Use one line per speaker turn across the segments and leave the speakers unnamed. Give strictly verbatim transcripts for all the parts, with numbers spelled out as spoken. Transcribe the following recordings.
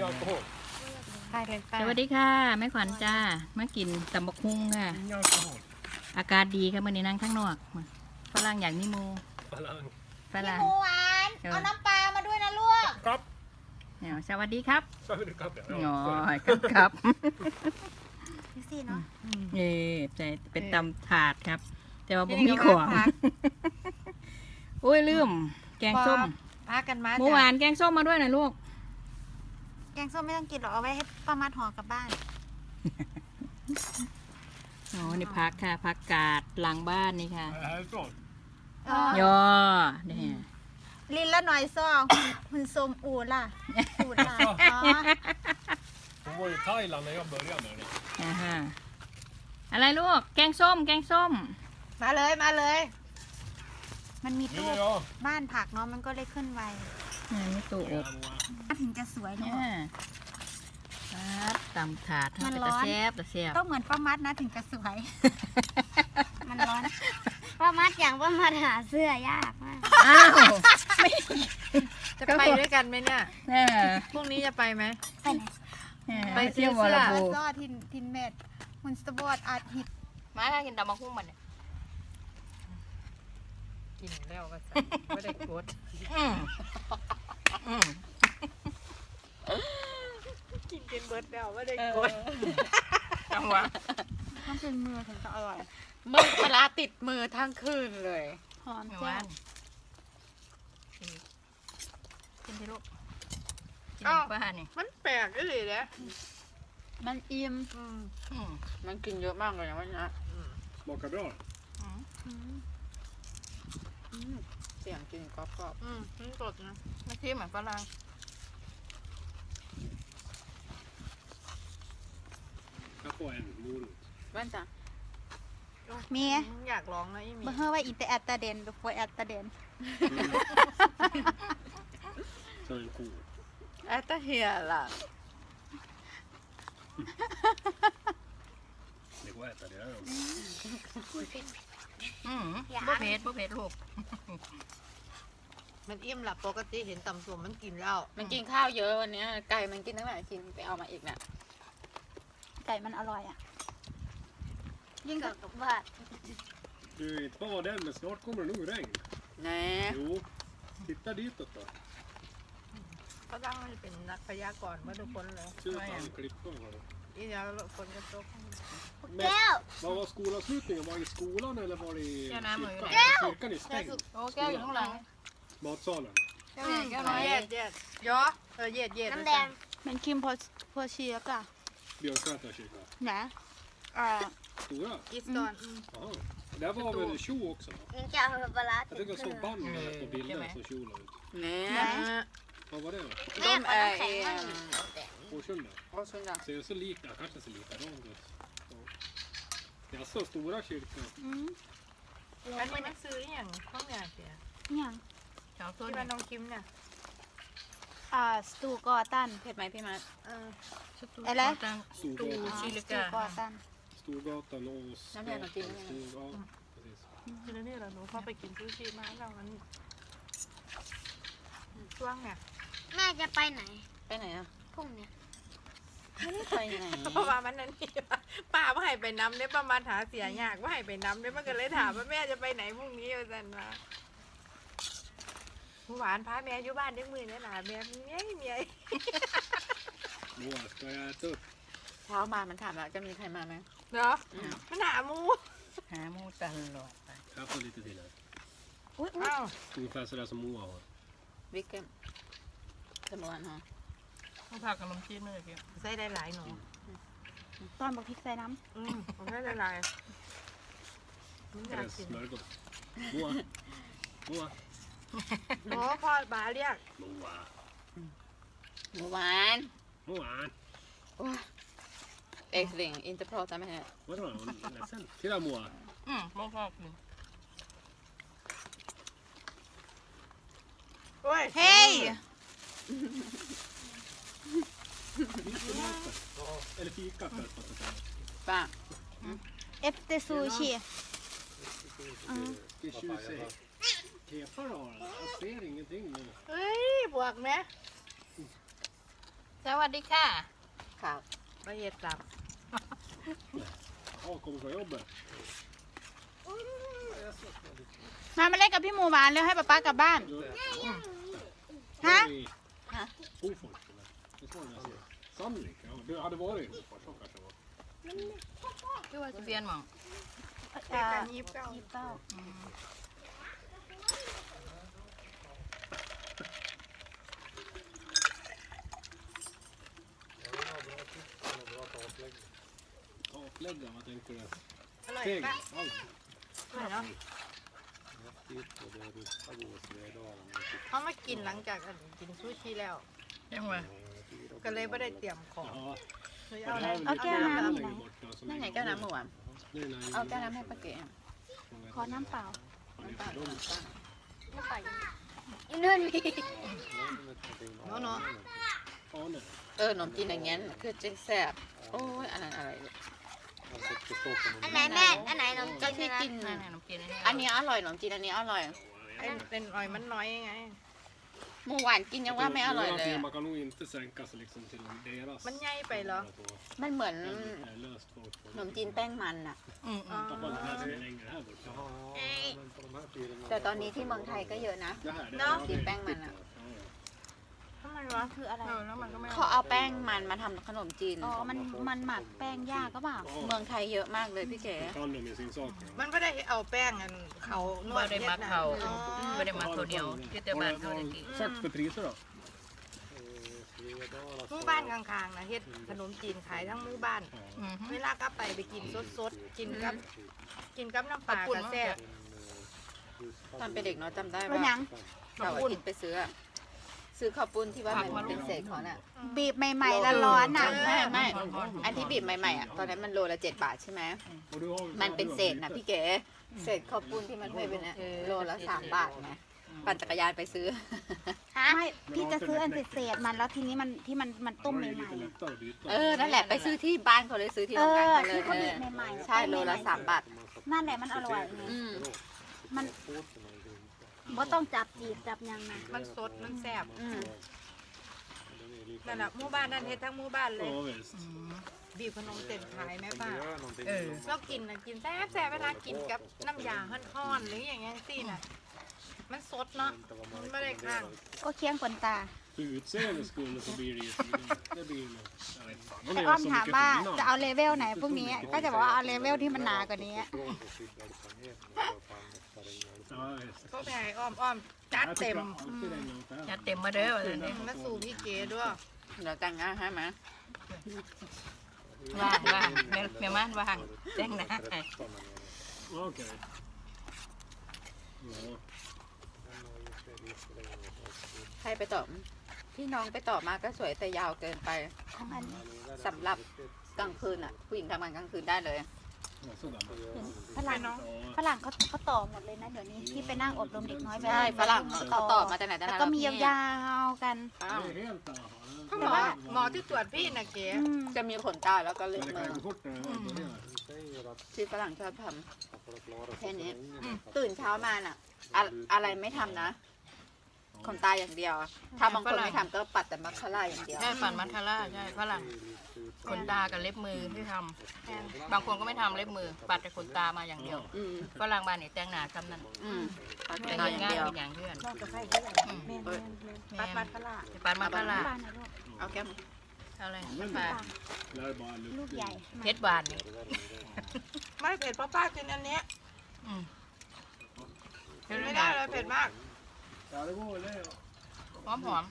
alkohol.
สวัสดีค่ะแม่ขวัญจ้ามากินตำบักหุ่งค่ะ
Ingen alkohol.
อากาศดีค่ะมื่อนี้นั่งข้างนอกฝรั่งอย่างนิโม
Falang.
ฝรั่ง
หมูหวาน
เออ
เอาน้ำปลามาด้วยนะลูก
Kapp.
เนี่ยสวัสดีครับ
Så vill du kapp, ja.
อ๋อ
Ja,
ครับครับ
ดูสิเนาะ
เออแต่เป็นตำถาดครับ แต่ว่าบ่มีของโอ้ยลืมแกงส้ม
พากันมา
เมื่อวานแกงส้มมาด้วยนะลูก
แกงส้มไม่ต้องกินหรอกเอาไว้ให้ป้ามัดห่อกลับบ้าน
อ๋อนี่พักค่ะพักกาดหลังบ้านนี่ค่ะ
det här är bra.
ย่อเนี่ย
ลินละหน่อยซองหุ่นสมอูล่ะอูล่ะอ๋อ
Hon var i Thailand när jag började med det.
อ่าฮะอะไรลูกแกงส้ม แกงส้ม
มาเลยมาเลย มันมีตู้
Vill du ha?
บ้านผักเนาะมันก็เลยขึ้นไว
นี่มีตู้อบ
Ja,
ถึงจะสวย
เนี่
เนาะ
ยครับตำถาด
มัน
เป็น
ร้
ตะ
อน
แซบตะแซบ
ต้องเหมือนป้ามัดนะถึงจะสวย มันร้อน
ป้ามัดอย่างป้ามัดหาเสื้อยากมาก
อ้าวไม่
จะไปด้วยกันไหมเนี่ย
เออ
พรุ่งนี้จะไปไหม
ไปไหน
ไปเที่ยววอล
ป
บู
ลาซอทินทินเม็ดหุ่นสปอร์ตอาร์ตฮิต
มาค่ะกินตำมะคุ้งมันเนี่ย
กินแล้วก็ใส่ไม่ได้กด
อืมอืม
กินกินเบิร์ดแล้วไม่ได้กด
จังหวะ
ต้องเป็นมือถึงจะอร่อย
มือปลาติดมือทั้งคืนเลย
หอม
ไม่
แซ่
ว่า
บ
กินที่ลูกกิน
อ้าว
ป้านี่
มันแปลกก็เลยนะ
มันอิ่ม
อืม
อืม
มันกินเยอะมากเลยนะวันนี้
smakar bra.
เสียงกินกรอบๆอืมมันสดนะ
ไม่ใช่เหมือนฝรั่ง
Jag får en morot.
บ้านจ้ะ
มี
อยากลองนะอีมี
เบอร์เฮอร์ว่าอินเตอร์แอตตาเดนดูโฟแอตตาเดน
Så en ko.
แอตตาเฮียล่ะ
Det går att äta det här.
อืมบ่เผ็ดบ่เผ็ดลูก
มันอิ่มหลับปกติเห็นตำส่วนมันกินแล้วมันกินข้าวเยอะวันนี้ไก่มันกินตั้งหลายชิ้นไปเอามาอีกน่ะ
ไก่มันอร่อยอ่ะ
ยิ่งกับกับบ้าน
Du är inte bara den, men snart kommer det nog regn.
แน่
Jo, titta ditåt då.
ก็ต้องให้เป็นนักพยากรณ์ว่าทุกคนเลย
Ser ut som klippan har det.
อีเดียวคนจะตก
Men,
แก้ว
vad var skolavslutningen? Var det i skolan eller var det i
Ja, nej, men-
kyrkan? Kyrkan är stängd.
โอ้แก้วอยู่ข้างหลัง
Matsalen.
แก้วใหญ่แก้วน้อย
เย็ดเย็ดยอเออเย็ดเย็ด
น้ำแดง
มันคิมพอพอเชียกอะ
Björksätra kyrka.
นะอ่า
Stora?
อีสตอน
Jaha. Där var väl en tjo också? Va?
ยิ่งจะเอาปลาร้า
Jag tycker jag såg band med på bilden som tjo la ut.
แน่
Vad var det då?
แม่ขอน้ำแข็งมั่ง
Årsunda?
โอ้ชุนดา
Ser det så lika? Kanske ser likadant ut. Ja. Det är så stora kyrkan.
อืม
อันนี้มันซื้ออย่างข้าวเหนียวเสีย
เนี่ยง
เจ้าต้น
ที่บ้านน้องคิมเนี่ย
อ่าสตูกอตัน
เผ็ดไหมพี่มัดเออ
อะไร
ตู
Storgatan.
ชิลิ
สตู
กาก
อตัน
Storgatan och
Jag menar till och med.
Stor, ja, precis.
คือนี่แหละหนูพอไปกินซูชิมาแล้วมันช่วงเนี่ย
แม่จะไปไหน
ไปไหนอ่ะ
พรุ่งเนี้ย
ไม่ได้ไปไหนเพราะว่ามันนั่นนี่ป้าว่าให้ไปน้ำได้ประมาณหาเสียยากว่าให้ไปน้ำได้มันก็เลยถามว่าแม่จะไปไหนพรุ่งนี้อาจารย์มาหวานพาแม่อยู่บ้านได้มือเนี่ยหนาแม่เมียเมีย
Moa, ska jag äta upp?
เช้ามามันถามว่าจะมีใครมาไหมเนาะมันหามู
หาหมูตลอดไป
Jag får lite till här.
อุ้ยอุ้ย
อ้าว
Ungefär sådär som Moa har.
วิกเกมสมวนฮะ
ต้องผักกับนมจีนเลยพี่
ใส่ได้หลายหนู
ตอนบอกพริกใส่น้
อืมผมใส่ได้หลายมันอยาก
Eller
กิน
smörgås. Moa. Moa.
โอ้พ่อบาเรียก
Moa.
หมูหวาน
Moa.
เอ็กซ์ลิงอินเตอร์โพรตามไหมฮะ
Vadå? Hon är ledsen. Titta Moa.
อืมไม่ชอบกิน
โอ้ย
ำเฮ้ย
Ja, eller fika för att fatta det.
ป้า
เอฟเตซูชิ
Det är tjusigt. Kefar har den. Jag ser ingenting nu.
เฮ้ยบวกไหม
สวัสดีค่ะ
ครับประเฮ็ดสับ
Ja, kommer från jobbet.
มามาเล่นกับพี่หมูหวานแล้วให้ป๊าป๊ากลับบ้าน
Du,
Hä?
var i Hofors eller? Visst var det där? Sandvik? Ja, du hade varit i Hofors, så kanske det var.
คือว่าจะเปลี่ยนหมอง
เด็กกันยิบเก้า
ยี่สิบเก้า
Taklägga, vad tänkte du?
อร่อย
Tegel?
ปะ
Allt.
อร่อยเนาะเขามากินหลังจากอันกินซูชิแล้ว
ยังไง
ก็เลยไม่ได้เตรียมของ
Ja.
เลย
Det
เอาอะไร
här är väl
เอา
lite
แก้วน้ำอยู่ไหน
längre bort, ja, som
นั่นไง
ligger
แก้วน้ำหมูอ่ะ
Det är när-
เอาแก้วน้ำให้ป้าเก๋
ขอน้ำเปล่า
Ja, det är för dem.
ไม่ไปอีนู่นมี
เนาะเนาะ
Ja, nej.
เออขนมจีนอย่างเงี้ยคือจะแซ่บโอ้ยอันนั้นอะไรเนี่ย
อันไหนแม่อันไหนนม
ก็
จีน
ที่
นะ
กินขนมจีนอันนี้อร่อยขนมจีนอันนี้อร่อย
ไอ้เป็นออยมันน้อยไง
หมูหวานกินยังว่าไม่อร่อยเลย
Någonting
อะ
Man kan nog inte sänka sig liksom till deras.
มันใหญ่ไปเหรอ
มันเหมือน
Eh, löst folk.
ขนมจีนแป้งมันอ่ะ
อ๋อ
Tappa det här som är längre här borta.
แต่ตอนนี้ที่เมืองไทยก็jöอะนะ
Det här, det
Nå.
har vi
Din bang man,
bytt,
ja.
ja, ja.
ทำไมวะ
คืออะไร
เออแล้วมันก็ไม่
เขาเอาแป้งมันมาทำขนมจีน
อ๋อ มัน มันหมักแป้งยากก็เปล่า
เมืองไทยเยอะมากเลยพี่เก๋
Då kan de ju sin sak. ja.
มันไม่ได้เอาแป้งอันเขานวด
บ่ได้มักเขา
อ๋อ
ไม่ได้มาตัวเดียวที่แต่บ้านเขาตะกี้
Vad har du sagt för priser då?
หมู่บ้านข้างๆนะเฮ็ดขนมจีนขายทั้งหมู่บ้าน
อืม
เวลากลับไปไปกินสดๆ กินกับ กินกับน้ำปลากระแซ่บ
ตอนเป็นเด็กเนาะจำได้
เป็นหยั
ว่าง เสาร์อาทิตย์ไปซื้ออะซื้อข้าวปุ้นที่ว่ามันเป็นเศษของน่ะ
บีบใหม่ๆแล้วร้อนอ่ะ
ไม่ไม่อันที่บีบใหม่ๆอ่ะตอนนั้นมันโลละเจ็ดบาทใช่ไหม
Och du har,
มันเป็นเศษนะพี่เก๋เศษข้าวปุ้นที่มันเคยเป็นอะโลละสามบาทนะปั่นจักรยานไปซื้อ
ไม่ พี่จะซื้ออันเศษๆมันแล้วทีนี้มันที่มันมันต้ม
då
ให
är det
ม่
lite lättare att byta.
เออนั่นแหละไปซื้อที่บ้านเขาเลยซื้อที่
ๆเอ
โรงงาน
อ
เขาเลย
ที่เขา
เอ
บี
อบ
ใหม่ๆ
ใช่โลละสามบาท
นั่นแหละมันอร่อยไง
อืม
มันบ่ต้องจับจีบจับยังนะ
มันสด มันแซ่บ
อืม
นั่นแหละหมู่บ้านนั่นเฮ็ดทั้งหมู่บ้านเลย
Ja, visst.
บีบขนมเส้นขายแม่ป้า
เออ
เรากินนะกินแซ่บแซ่บเวลากินกับน้ำยาห่อนๆหรืออย่างเงี้ยสิน่ะ มันสดเนาะ มันไม่ได้ข้าง
ก็เคี้ยงคนตา
För utseendets skull så blir det ju det blir nog, jag vet fan.
ไอ้อ้อมถามว่าจะเอาเลเวลไหนพวกนี้ ก็จะบอกว่าเอาเลเวลที่มันหนากว่านี้
Ja, visst.
ก็ไปให้อ้อมอ้อมๆจัด
Jag
เต็
tycker
ม
alltid det är något här.
จัดเต็มมาเด้อวันนี้
มาสู่พี่เก๋ด้วย
เดี๋ยวแต่งงานให้ไหมว่างว่างแม่แม่ม่านว่างแต่งหน้าให้
Okej. Ja.
ใครไปต่อพี่น้องไปต่อมาก็สวยแต่ยาวเกินไป
ของอัน
สำหรับกลางคืนอ่ะ ผู้หญิงทำงานกลางคืนได้เลย
Ja, sådär.
ฝรั่ง
Ja.
ฝรั่งเขาเขาต่อหมดเลยนะเดี๋ยวนี้ที่ไปนั่งอบรมเด็กน้อยแบบ
ใช่ฝรั่งเขาต่อมาแต่ไหนแต่
แล้ว
ไร
ก็มียาวๆกัน
อ้าว
Det är helt annat.
เขาหมอหมอที่ตรวจพี่น่ะเก๋
อืม
จะมีขนตาแล้วก็เล็บ
Men det
มือ
kan gå fort när det börjar.
ที่ฝรั่งชอบทำแค่นี้ตื่นเช้ามาน่ะอะอะไรไม่ทำนะขนตาอย่างเดียว ถ้าบางคนไม่ทำก็ปัดแต่มัสคาร่าอย่างเดียว
ใช่ปั่นมัสคาร่าใช่ฝรั่งขนตากับเล็บมือที่ทำบางคนก็ไม่ทำเล็บมือ ปัดแต่ขนตามาอย่างเดียว
อืม
ฝรั่งบ้านนี่แต่งหน้าทำนั่น
อืมปัดขน
แต่
ตา
เห็น
อย่าง
งาน
เดียว
เป็นอย่างเพื่อน
นอกจากใส่ที่ไหน
อืม
แม่น
เออ
แม่นปัดปัดกะลา
ปั่นมัสคาร่า
บ้านนะลูก
เอาแก้ม
อะไร
Men
ปลา
det är bara
ลูก
lukt.
ใหญ่
เพชรบานนี่
ไม่เผ็ดเพราะป้ากินอันเนี้ย
อืม
กินไม่ได้เลยเผ็ดมาก
Ja, det går väl det.
หอมหอม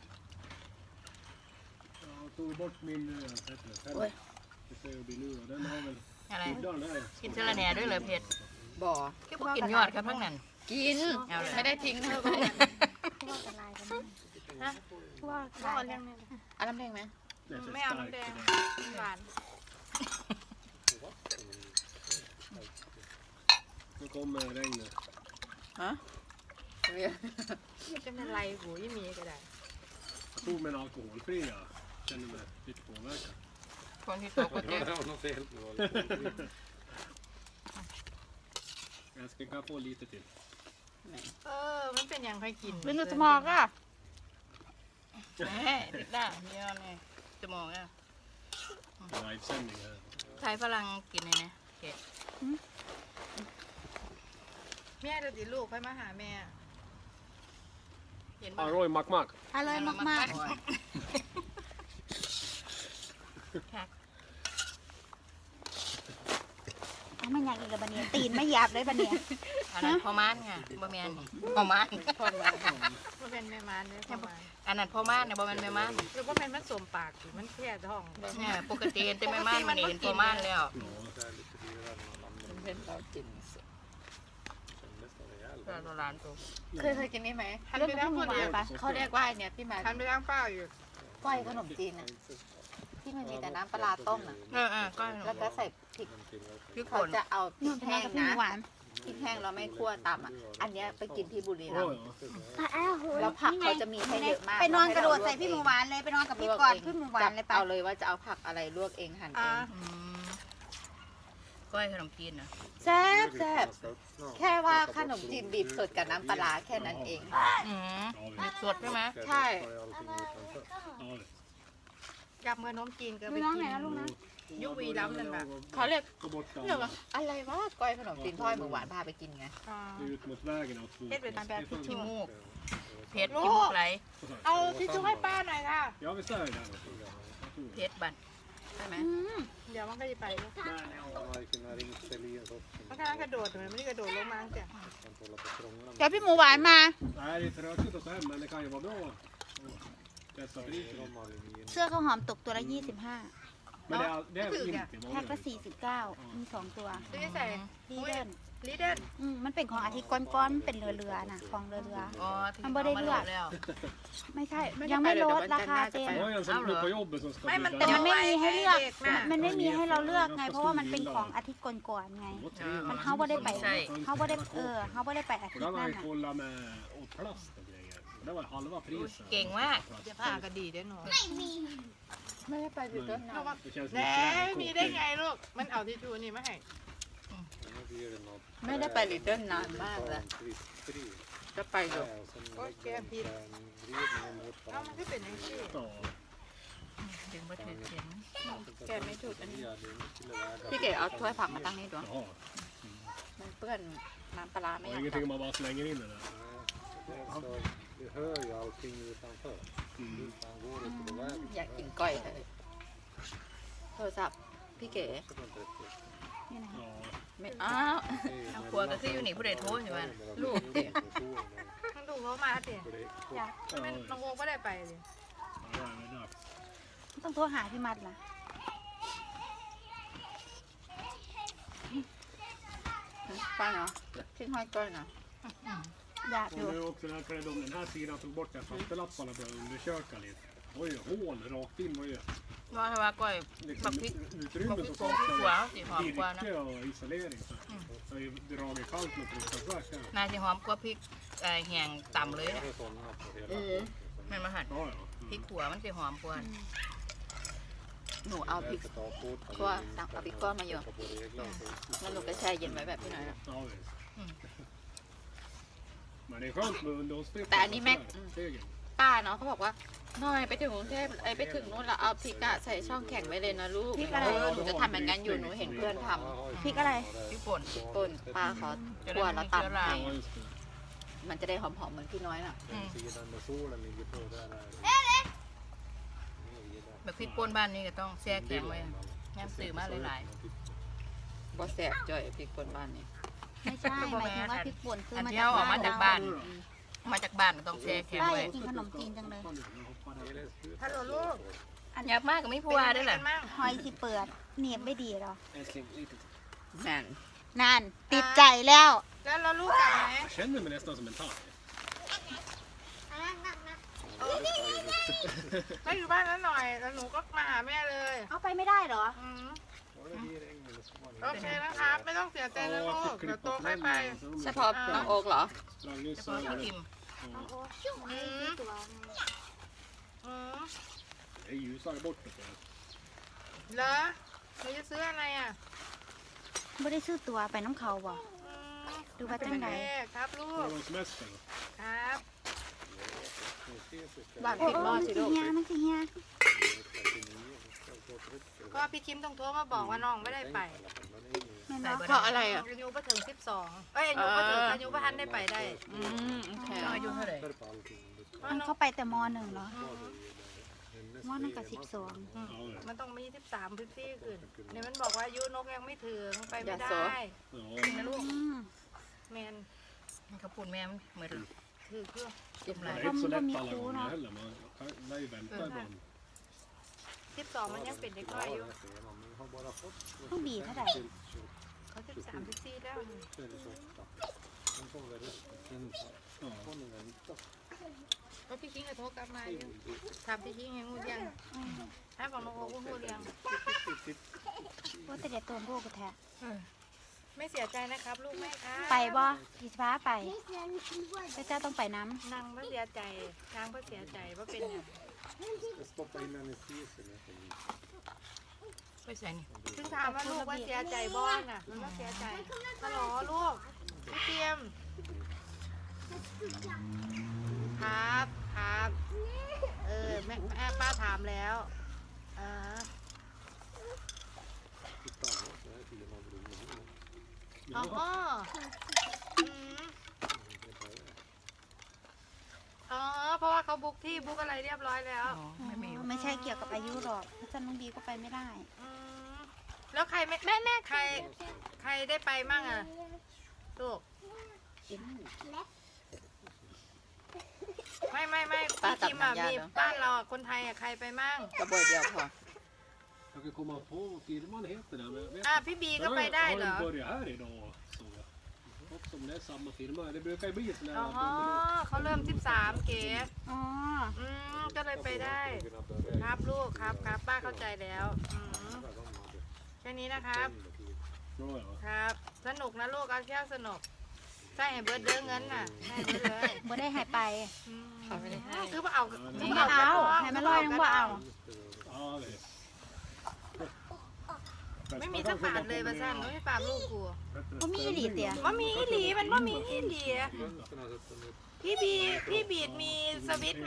Jag tog bort min eh, vad heter det,
Oj.
penna. Det ser jag bli nu och den har väl
อะไร
skyddan där.
กินเจลาแหน่ด้วยเลยเผ็ด
บ่อ
คือบ่กินยอดครับทั้งนั้น
กิน
เอาเลย
ไม่ได้ทิ้งนะ
พวกกระลายกันนะพวกกระ
พ่อ
ลาย
เลี้
กั
ยง
น
แม่
เอาน้ำแดงไหม
Det är för
ไม่เอา
starkt
น้ำแดง
för det.
หวาน
Nu kommer regnet.
ฮะ
จะเป็นไรหูยี่มีก็ได้
Jag tog mig en alkoholfri. Jag känner mig lite påverkad.
คนที่ตกก็เจ๊
Jag ska kan få lite till.
เออ มันเป็นอย่างใครกิน
เป็นสมองอ่ะ
แหม่ติดหน้าเยอะนี่ชั่วโมงอ่ะ
Livesändning här.
ใช้ฝรั่งกินเลยนะโอเค
แม่เดี๋ยวดิลูกค่อยมาหาแม่
เห็นป่ะ
Aroi mak mak.
อร่อยมาก
ค่ะ
ๆเอาไม่อยากอีกกับบันเนียตีนไม่หยาบเลยบันเนีย
อันนั้นพ่อม่านค่ะบ่แม่นพ่อม่าน
พ่อมาพ่อเป็นแม่มานเนี่ยพ่อมา
อันนั้นพ่อม่านเนี่ยบ่แม่นแม่ม่าน
หรือว่าเป็นมันสมปากอยู่มันแค่ท้อง
เนี่ยปกติเห็นแต่แม่ม่านมันนี่เห็นพ่อม่านแล้ว
เป็นเรากิน
เราร้านตัว
เคยเคยกินนี่ไหม
หันไปทางคนเดียว
ปะเขาเรียกว่าไอเนี่ยพี่มา
หันไปทางเป้าอยู่
ก้อยขนมจีนอ่ะที่มันมีแต่น้ำปลาร้าต้มอ่ะ
เออเออก็
แล้วก็ใส่พริก
พริก
เขา
ป่น
จะเอาพริ
นู่น
ก
เป็น
แห้ง
กับพี่
นะ
หวาน
พริกแห้งเราไม่คั่วตำอ่ะอันเนี้ยไปกินที่บุรีรัม
Oj,
ย์
ja.
แล้วผักเขาจะมีให้เยอะมาก
ไปนอนกระโดดใส่พี่หมูหวานเลยไปนอนกับพี่กอดพี่หมูหวานเลยไป
เอาเลยว่าจะเอาผักอะไรลวกเองหั่นเอ
อ่าง
อืมก้อยขนมจีนนะ
แซ่บแซ่บแค่ว่าขนมจีนบีบสดกับน้ำปลาร้าแค่นั้นเอง
อืมมีสดใช่ไหม
ใช่
Ja,
กับเมื่อน้มจีนก็
ไป
ไป
น้อง
กิ
ไหน
น
นะลูกนะ
ยุวีล้ำนั่นแหละ
เขาเรียก
ta bort
เรียกว่า
dammen.
อะไรวะก้อยขนมจีนพ่อยหมูหวานพาไปกินไง
อ่า
Det är ut mot vägen av två.
เฮ็ดเป็นแบบที่
ขี้
ชู
มูกเผ็ดขี้มูกไหล
เอาที่ชูให้ป้าหน่อยค่ะ
Ja, visst är det där.
เผ็ดบัด
ใช่ไหม
อืม
เดี๋ยวมันก็จะไปลูก
Nej, ja.
มันกำลังกระโดดมันไม่ได้กระโดดลงมาเสีย
เดี๋ยวพี่หมูหวานมา
Nej, det är tråkigt att ta hem, men det kan ju vara bra. Testa priset.
เสื้อข้าวหอมตกตัวละยี่สิบห้า
Men det är, det är inte
แพ็ค
vanligt.
ละสี่สิบเก้ามีสองตัว
ซื้อใส่
ดีเดิน
ลีเดน
อืมมันเป็นของอาทิตย์ก้อนๆเป็นเรือเรือๆน่ะของเรือเรือ
อ๋อที่
มันบ่ได้
ามา
เลือก
แล้ว
ๆไม่ใช่ยังไม่ลดราคาเต็ม
Jag har ju en som bor på jobbet som ska
ไม่มัน
bjuda
แต่
แต่
hem.
มันไม่มีให้เลือก
ด็นะ
มันไม่มีให้เราเลือกไง เพราะว่ามันเป็นของอาทิตย์ก่อนๆไง
Det var trevligt.
มันเฮาบ่ได้ไปเฮาบ่ได้เออเฮาบ่ได้ไปอา
Och
ทิต
då
ย์
har
นั่
man
น
ju
น่ะ
kollat med och plast och grejer. Det var halva priset.
เก่งมาก
เดี๋ยวผ้าก็ดีเด้อหนู
ไม่ได้ไปอยู่ต้นน้ำ
Det känns
แหน่
lite
มีได้ไงลูก มันเอาที่ชูนี่มาให้
ไม่ได้ไปลิตเติ้ลนานมากแล้วจะไปอยู่
โอ้ยแกผิดเอ้ามันก็เป็นอย่างนี้
Ja.
ถึงมาถือเข็ม
แกไม่ถูกอันนี้พี่เก๋เอาถ้วยผักมาตั้งนี่ด้วย
Jaha.
มันเปื้อนน้ำปลาร้าไม่
Det
อยา
är
ก
ingenting man bara slänger in det där.
Du hör ju allting utanför. Utan går det till vägen.
อยากกินก้อยเลยโทรศัพท์พี่เก๋
นี่นะ
Ja.
ไม่อ้าว
ทางครัวก็คืออยู่นี่ผู้ใดโทรใช่ไหม
ลูกเด็ก
มันดูเขามาเดี๋ยวมันน้องโวก็ได้ไปเลย
Ja, det är dags.
ต้องโทรหาพี่มัดล่ะ
ป้าเนาะทิ้งห้อยก้อยเนาะ
อยากอยู่
Och nu också när de den här sidan tog bort den fattelapparna började undersöka lite. Det var ju hål rakt in. Var ju
ว่าถ้าว่าก้อยบั
liksom
กพริก
utrymme
บักพริก
som
โป่งพริกขัว
saknade
สีหอมกว่านะ
virke och isolering. Så det har ju dragit kallt med fruktansvärt här.
นายสีหอมกว่าพริกเอ่อแห้งต่ำเลยอะ
Det är sådana på hela
เออ
แมันมาหั่น
Ja, ja.
พริกขัวมันสีหอมกว่า
หนูเอาพริก
ta på
ก้อนสั่งเอาพริกก้อนมาอยู่
på regler.
แล้วหนูก็แช่เย็นไว้แบบพี่น้อยนะ
Ja, visst.
Mm.
Men det är skönt med underhållsdrift.
Det är ni med-
sådär, stegen.
ป้าเนาะเขาบอกว่าน้อยไปถึงกรุงเทพไอยไปถึงนู้นแล้วเอาพริกอะใส่ช่องแข็งไว้เลยนะลูก
พริกอะไร
เออหนูจะทำอย่างนั้นอยู่หนูเห็นเพื่อนท
พริกอะไร
พริกป่น
ำป่นป้าเขา
จะ
คั่ว
ได้
แล้ว
ไม่มีเชื้อรา
ตำให้
Ja, just det.
มันจะได้หอมๆเหมือนพี่น้อยน่ะ
อืม
Sidan med solen ligger på där. där.
แบบพริกป่นบ้านนี้ก็ต้องแช่แข็งไว้แง้มซื้อมาหลาย
บอแสบจ่อยพริกป่นบ้านนี่
ไม่ใช่หมายถึงว่าพริกป่นคือ
อัน
มา
เดี
จา
ยว
ก
ออกมาจากบ้าน
Ja,
มาจากบ้านก็ต้องแช่แข็ง
ป้าอ
ไว้
ยากกินขนมจีนจังเลย
ฮัลโหลลูก
อยากมากก็ไม่พูดว่าได้แหละ
เป็นงไงกันมั่ง
หอยสิเปิดเหนียบไม่ดีหรอ
แมน
นั่นติดใจแล้ว
แล้วเราลูกกลับไหม
Jag känner mig nästan som en tand.
ไม่อยู่บ้านแล้วหน่อย แล้วหนูก็มาหาแม่เลย
เอาไปไม่ได้เหรอ
อืม
Var det regn eller så var det
โอเคนะครับ ไม่ต้องเสียใจนะลูก เดี๋ยวโตค่อยไป
เฉพาะน้องโอ๊กเหรอ
Ragnhild
เฉ
sa
พาะพี่
det.
พิม
Ja.
อืมอืม
Det är ljusare bort. vet du.
เหรอหนูจะซื้ออะไรอ่ะ
ไม่ได้ซื้อตัวไปน้ำเขาบ่
อืม
ดูว่าจังใด
โอเคครับลู
Det
ก
var semester.
ครับ
Nu ses vi
บ้าน
โอ้
ปิดหม้อ
มัน
สิ
สิ
ลูก
เฮียมันสิเฮีย
istället.
ก็พี่คิมต้องโทรมาบอกว่าน้องไม่ได้ไป
แม่นเนาะ
เพราะอะไรอ่ะ
อายุบ่ถึงสิบสองเอ้ยอายุบ่ถึงอายุบ่ทันได้ไปได้
อืมโอเค
อายุเท่าไหร่
มันเข้าไปแต่มหนึ่งเหรอมหนึ่งกับสิบสอง
Ja, ja.
มันต้องมีสิบสามสิบสี่ขึ้นเนี่ยมันบอกว่าอายุนกยังไม่ถึงไปไม่ได้
Ja.
นะลูก
อืม
แมน
เขาพูดแม่เหมือน
ถือเครื่อง
เจ็บไห
Det
ล
är inte så lätt alla gånger heller. Man lär ju vänta ibland.
สิบสองมันยังเป็นเด็กน้อยอยู่
ต้องบีเท่าไหร่
เขาสิบสามสิบสี่แล้ว ก็พี่คิงก็โทรกลับมาอยู่ถามพี่คิงให้งูเลี้ยงให้บอกน้องโอ้ก็งูเลี้ยง
ว่าแต่เด็กตัวโบกแท้
ไม่เสียใจนะครับลูกแม่ค่ะ
ไปบ่พี่ฟ้าไปแต่เจ้าต้องไปน้ำ
นางไม่เสียใจนางไม่เสียใจว่าเป็นอย่าง
Stoppa in anestesen.
ไปใส่นี่
ถึงถามว่าลูกว่าเสียใจบ้างน่ะมันก็เสียใจฮัลโหลลูกพี่เตรียมครับครับเออแม่แม่ป้าถามแล้วเออ อ๋ออืมอ๋อ เพราะว่าเขาบุ๊กที่บุ๊กอะไรเรียบร้อยแล้ว
อ๋อไม่มี
ไม่ใช่เกี่ยวกับอายุหรอกถ้าจะน้องบีก็ไปไม่ได้
อืมแล้วใครไม่แม่แม่ใคร ใครได้ไปมั่งอ่ะลูกไม่ไม่ไม่พี่คิมอ่ะมีบ้านเราอ่ะคนไทยอ่ะใครไปมั่ง
กระบวยเดียวพอ
Jag kan komma på vad firman heter där. Men jag vet
อ่ะ
inte.
พี่บีก็
Jag
ไป
har,
ได้
jag
เหรอ
har ju börjat här idag. Så. Och som det är samma firma. Det brukar ju bli sån
อ๋อ
här.
เขาเริ่มสิบสามเก๋
อ๋อ
อืมก็เลยไปได้ ครับลูกครับครับป้าเข้าใจแล้วอืมแค่นี้นะครับ
Bra ja.
ครับ สนุกนะลูกเอาเที่ยวสนุกใช่ให้เบิร์ดเด้อเงินน่ะให้เบิร์ดเลย
บ่ได้หายไป
อืม
เขาไม่ได้ให้
คือว่าเอา
น้องบ่เอาให้มันลอยน้องบ่เอา
Ja, det är.
ไม่มีสักบาทเลยประสันไม่ปามลูกกู
บ่มีอีหลีเตีย
ว่ามีอีหลีมันว่ามีอีหลีพี่บีพี่บีดมีสวิตช์ไหม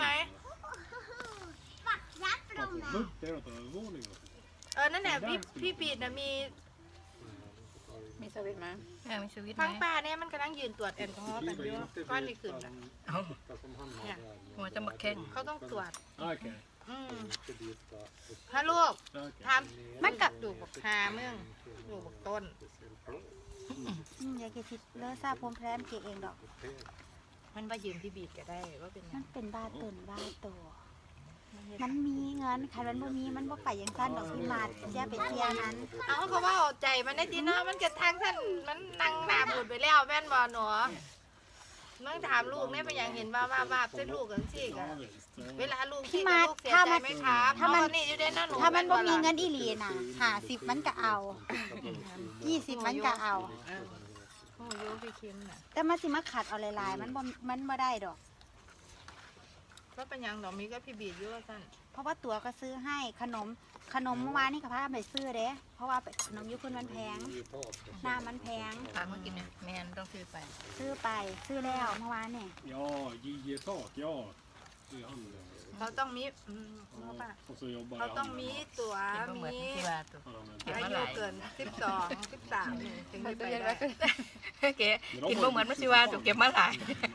Det är något övervåningen.
เออนั่นแหละพี่พี่บีดน่ะมี
มีสวิตช์ไหม
แม่มีชีวิตไหม
ฟังป้าเนี่ยมันกำลังยืนตรวจแอลกอฮอล์กันอยู่ก้อนนี่ขึ้นน่ะ
เอ้าหัวจะมาแข่ง
เขาต้องตรวจ
Okej.
อืมถ้าลูก
Okej.
ทำมันกับดูบักหาเมืองดูบักต้น
อืมอยากจะคิดเลอะซาพรมแพรมเกเองดอก
มันว่ายืมพี่บีดก็ได้ว่าเป็นหยั
มั
ง
นเป็นบ้าตื่นบ้าโตมันมีเงินใครมันบ่มีมันบ่ไปอย่างสั้นดอกพี่มาแย่ไปเที่ยวนั้น
เอาเขาว่าเอาใจมันได้ทีเนาะมันจะทางท่านมันนั่งหนาบุดไปแล้วแม่นบ่หนูมึงถามลูกเนี่ยเป็นอย่างเห็นว่าว่าว่าเป็นลูกกันสิกะ
Ja, visst.
เว
Ja.
ลาลูกที่กับลูกเสียใจไหมครับเพราะว่านี่อยู่ในนั้นหนู
ถ้ามันบ่มีเงินอีหลีน่ะห้าสิบมันก็เอายี่สิบมันก็เอา
โอ้โยพี่คิมน่ะ
แต่มันสิมาขัดเอาหลายๆมันบ่มันบ่ได้ดอก
ก็เป็นอย่างดอกมีก็พี่บีดอยู่ว่าซั่น
เพราะว่าตั๋วก็ซื้อให้ขนมขนมเมื่อวานนี่ก็พาไปซื้อเด้เพราะว่าขนมยุคุณมันแพงหน้ามันแพง
พามากินเนี่ยแม่ต้องซื้อไป
ซื้อไปซื้อแล้วเมื่อวานนี่
Ja, J J Tak, ja. Det är han.
เขาต้องมีอืมเอาป่ะ
Och så jobbar
เขา
jag
ต้องมีตั๋ว
เก็บมาเหมือน
มี
ที่ว่าตัว
Ja, men-
อายุเกินสิบสองสิบสามถึงจะไปได้
เก๋กินบ่เหมือนมัสิว่าถูกเก็บมาหลาย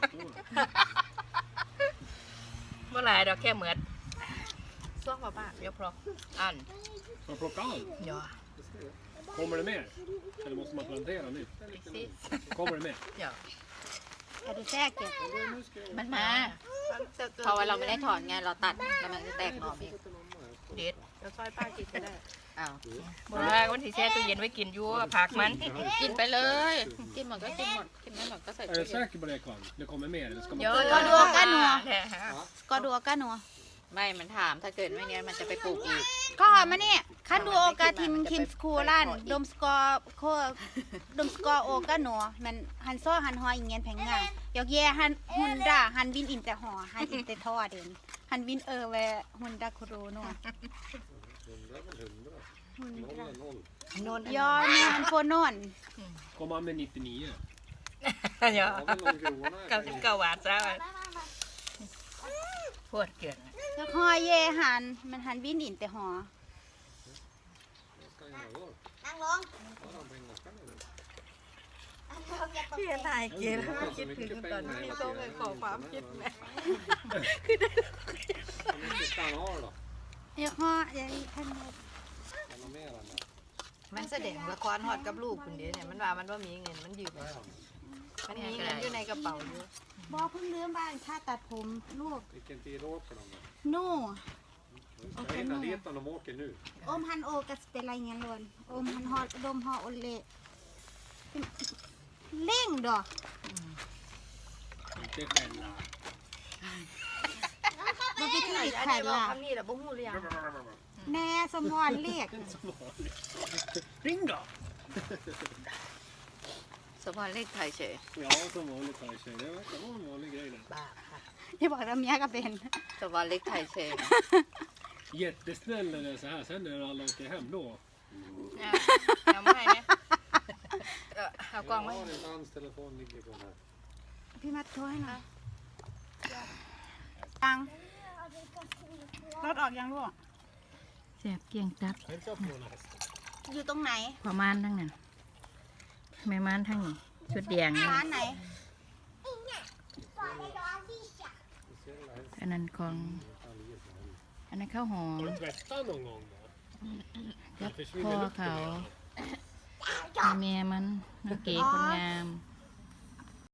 เมื่อหลายดอกแค่เหมือน
ช่วงป่ะป่ะ
เดี๋ยวพออัน
Ska jag plocka allt?
ย่อ
Kommer det mer? Eller måste man plantera nu?
ซิ
Kommer det mer?
ย่อก
ระดูแทรกเก็บ
มันมาเพราะว่าเราไม่ได้ถอนไงเราตัดแล้วมันจะแตกหน่อเอง
เด็ด
เดี๋ยวซอยป้ากินก็ได้
อ้าว
บอกว่าวันที่แช่ตู้เย็นไว้กินอยู่ผักมัน
กินไปเลย กินหมดก็กินหมด กินไม่หมดก็ใส่
Är
ตู้
du
เย็น
säker på det Karl? Det kommer mer? Eller ska
เย
man
อะ
ก็ดูกันหนัว
แท้ฮะ
ก็ดูกันหนัว
ไม่มันถามถ้าเกิดไม่เนี้ยมันจะไปปลูกอีก
ก็มาเนี่ยคันดูโอกาทิมคิมสคูลันดมสกอโคดมสกอโอกันหนัวมันหันซ้อหันหออีเงี้ยแผงงานยอกแย่หันหุนดาหันวินอินแต่หอหันอินแต่ท่อเด่นหันวินเออแวหุนดาโคโรนัวหุนดา
โนน
ยอแมนโฟนอน
Kommer han med nittionio?
ย่อเก้าสิบเก้าบาทซะปวดเกิน
แล้วหอแย่หันมันหันวินอินแต่หอ
pengar var.
นั่งลง
Har de pengar ska ni?
พี่ถ่ายเกณฑ์แล้วคิดถึงตอนที่ต้องไปขอความคิดแม่
Om inte stan har då?
เดี๋ยวฮอเดี๋ยวอีกพันหนึ่ง
Eller mer än det?
มันแสดงละครฮอดกับลูกคนเดียวเนี่ยมันว่ามันว่ามีเงินมันยืมมันมีเงินอยู่ในกระเป๋าอยู่
บอกเพิ่งลืมบ้านค่าตัดผมลูก
Vilken tid åker de då?
นู่
Vi ska hinna dit om de åker nu.
โอมฮันโอก็สิเป็นไรเงี้ยล้วนโอมฮันฮอดดมฮอโอเละเล่งดอก
Inte skälla.
มันเป็นที่
อัน
ไข่
นี้บอก
ล่ะ
คำนี้แหละบ่ฮู้หรือยัง
แน่สมพรเรียก
Inte som vanligt. Ring då!
สมพรเลขไทยเฉย
Ja, som vanligt här tjej. Det verkar vara en vanlig grej där.
บ้าค่ะ
ที่บอกว่าเมียก็เป็น
สมพรเลขไทยเฉย
Jättesnäll när det är så här. Sen när alla åker hem då.
เนี่ยเอามาให้เนี่ยเออเอากล้องไว้
Jag har en hans telefon ligger på den här.
พี่มาโทรให้หน่อยตังรถออกยังลูก
แซ่บเกียงตับ
Hälsa på den här hästen.
อยู่ตรงไหน
ประมาณทั้งนั้นแม่ม้านทั้งนี้ชุดแดงนี่
ร้านไหน
Speciella hästar
อันนั้นของ
kan ligga på den.
อันนั้นข้าวหอ
Har
ม
du tvättat någon gång då?
กับ
Det
พ่อ
försvinner lukten
เขา
i alla fall.
แม่มันน้องเก๋คนงาม